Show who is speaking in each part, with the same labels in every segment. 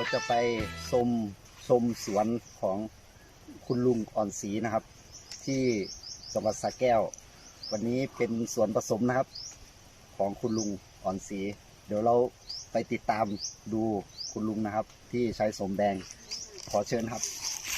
Speaker 1: จะไปชมสวนของคุณลุงอ่อนศรีนะครับ ที่จังหวัดสระแก้ววันนี้เป็นสวนผสมนะครับของคุณลุงอ่อนศรีเดี๋ยวเราไปติดตามดูคุณลุงนะครับ ที่ใช้สมแดงขอเชิญครับ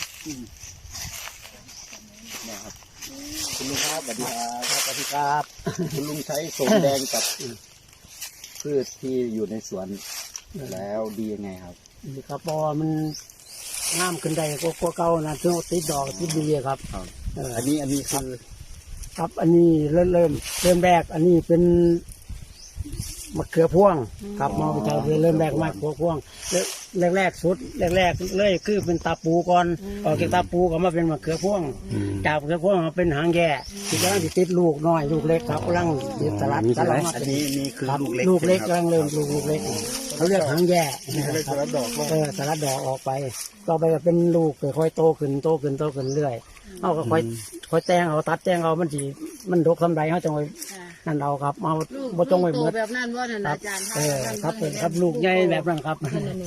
Speaker 1: เนี่ยครับคุณลุงครับสวัสดีครับสวัสดีครับคุณลุงใช้สมแดงกับพืชที่อยู่ในสวนแล้วดียังไงครับ
Speaker 2: ดีครับเพราะว่ามันงามขึ้นได้ก็เก่านะถึงติดดอกติดดีครับ
Speaker 1: อันนี้คือ
Speaker 2: ครับอันนี้เริ่มแรกอันนี้เป็นมะเขือพวงครับมาไปใช้เริ่มแรกมะเขือพวงแรกสุดแรกเลยคือเป็นตาปูก่อนออกจากตาปูก็มาเป็นมะเขือพวงจากมะเขือพวงมาเป็นหางแย่ที่กำลังติดลูกน้อยลูกเล็กครับกำลังสลัดมา
Speaker 1: อันนี้คือ
Speaker 2: ลูกเล็กกำลังเริ่มลูกเล็กเขาเรียกหางแย่สลัดดอกสลัดดอกออกไปต่อไปก็เป็นลูกค่อยโตขึ้นเรื่อยเอาก็ค่อยแตงเอาตัดแตงเอามันดกทำไรเขาจังไว้นั่นเอาครับมาบ่จงไว้หมด
Speaker 3: แบบนั้นว่าท่านอาจารย์
Speaker 2: ครับลูกใหญ่แบบนั้นครับ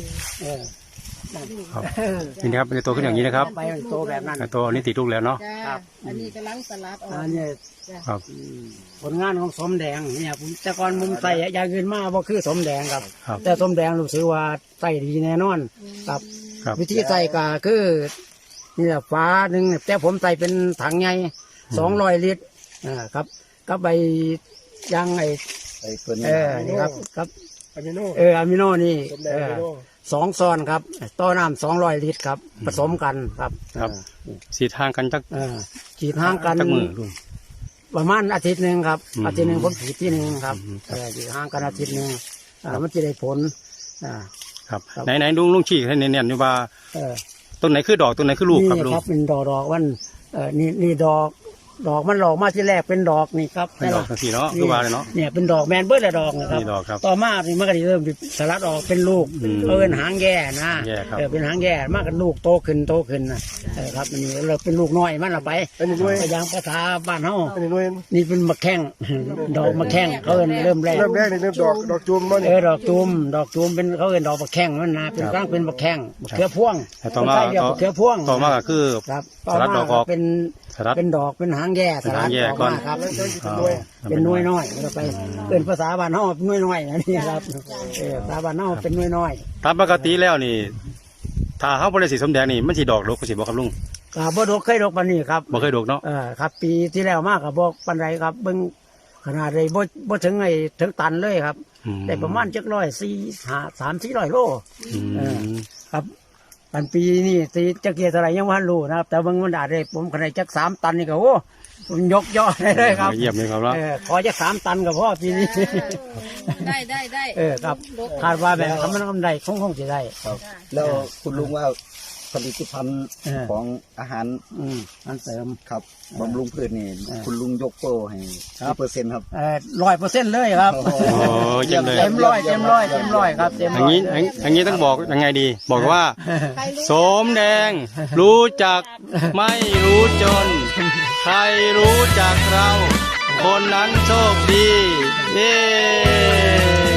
Speaker 4: นี่นะครับเป็นโตขึ้นอย่างนี้นะครับ
Speaker 2: ไปโตแบบนั้น
Speaker 4: โตอันนี้ติดลูกแล้วเนาะ
Speaker 3: ครับอันนี้กำลังสลัดออก
Speaker 2: อันนี้
Speaker 4: ครับ
Speaker 2: ผลงานของสมแดงเนี่ยผมแต่ก่อนมุมใส่ยาเงินมากว่าคือสมแดงครับแต่สมแดงรู้สึกว่าใส่ดีแน่นอนครับวิธีใส่ก็คือนี่แหละฝาหนึ่งแต่ผมใส่เป็นถังใหญ่200 ลิตรครับก็ใบยาง
Speaker 1: ตัวนี้
Speaker 2: นี่ครับอะมิโนนี่2 ซอนครับต่อน้ำ200 ลิตรครับผสมกันครับ
Speaker 4: สีทางกันจัก
Speaker 2: ฉีดห่างกันประมาณอาทิตย์หนึ่งครับอาทิตย์หนึ่งผมฉีดที่หนึ่งครับฉีดห่างกันอาทิตย์หนึ่งมันจะได้ผล
Speaker 4: ครับไหนลุงชี้ให้เนียนๆอยู่ว่าต้นไหนคือดอกต้นไหนคือลูกครับลุง
Speaker 2: ครับเป็นดอกวันนี่ดอกมันหลอกมาที่แรกเป็นดอกนี่ครับ
Speaker 4: เป็นดอกสีเนาะคือว่าเลยเนาะ
Speaker 2: เนี่ยเป็นดอกแมนเบิร์ดดอกนะครับต่อมานี่มันก็เริ่มสลัดออกเป็นลูกเป็นหางแย่นะเป็นหางแย่มากกันลูกโตขึ้นนะครับนี่เราเป็นลูกน้อยมันละไปอย่างภาษาบ้านเฮานี่เป็นมะแข้งดอกมะแข้งเขาเริ่มแรก
Speaker 5: นี่เริ่มดอกจูมมัน
Speaker 2: ดอกจูมเป็นเขาดอกมะแข้งมันนะเป็นกลางเป็นมะแข้งเขือพวง
Speaker 4: ต่อมา
Speaker 2: เขือพวง
Speaker 4: ต่อมาก็คือสลัดดอกออก
Speaker 2: เป็นดอกเป็นหางแย่สลัดออกมาครับเป็นน้อยน้อยเราไปเป็นภาษาบ้านนอกน้อยน้อยนะนี่ครับภาษาบ้านนอกเป็นน้อยน้อย
Speaker 4: ตามปกติแล้วนี่ถ้าเขาบริสีสมแดงนี่มันสีดอกลูกสีบอกครับลุง
Speaker 2: บ่ดอกเคยดอกปานนี้ครับ
Speaker 4: บ่เคยดอกเนาะ
Speaker 2: ครับปีที่แล้วมากกับบอกปันไรครับเบิ้งขนาดเลยบ่ถึงตันเลยครับแต่ประมาณ300-400 โลครับปันปีนี่ตีจะเกียร์อะไรยังวันรู้นะครับแต่บางวันอาจจะผมขนาดจัก3 ตันนี่ก็โอ้ผมยกย่อเลยครับ
Speaker 4: เยี่ยมเลยครับ
Speaker 2: ขอจัก3 ตันกับพ่อปีนี้
Speaker 3: ได้
Speaker 2: ครับคาดว่าแบบทำมันกำไรคงจะได้
Speaker 1: แล้วคุณลุงว่าผลิตภัณฑ์ของอาหาร
Speaker 2: เสริม
Speaker 1: ครับบำรุงพืชนี่คุณลุงยกโป้ให้กี่เปอร์เซ็นต์ครับ
Speaker 2: 100%เลยครับเต็มร้อยครับเต็มร้อย
Speaker 4: อย่างนี้ต้องบอกยังไงดีบอกว่าสมแดงรู้จักไม่รู้จนใครรู้จักเราคนนั้นโชคดีเย้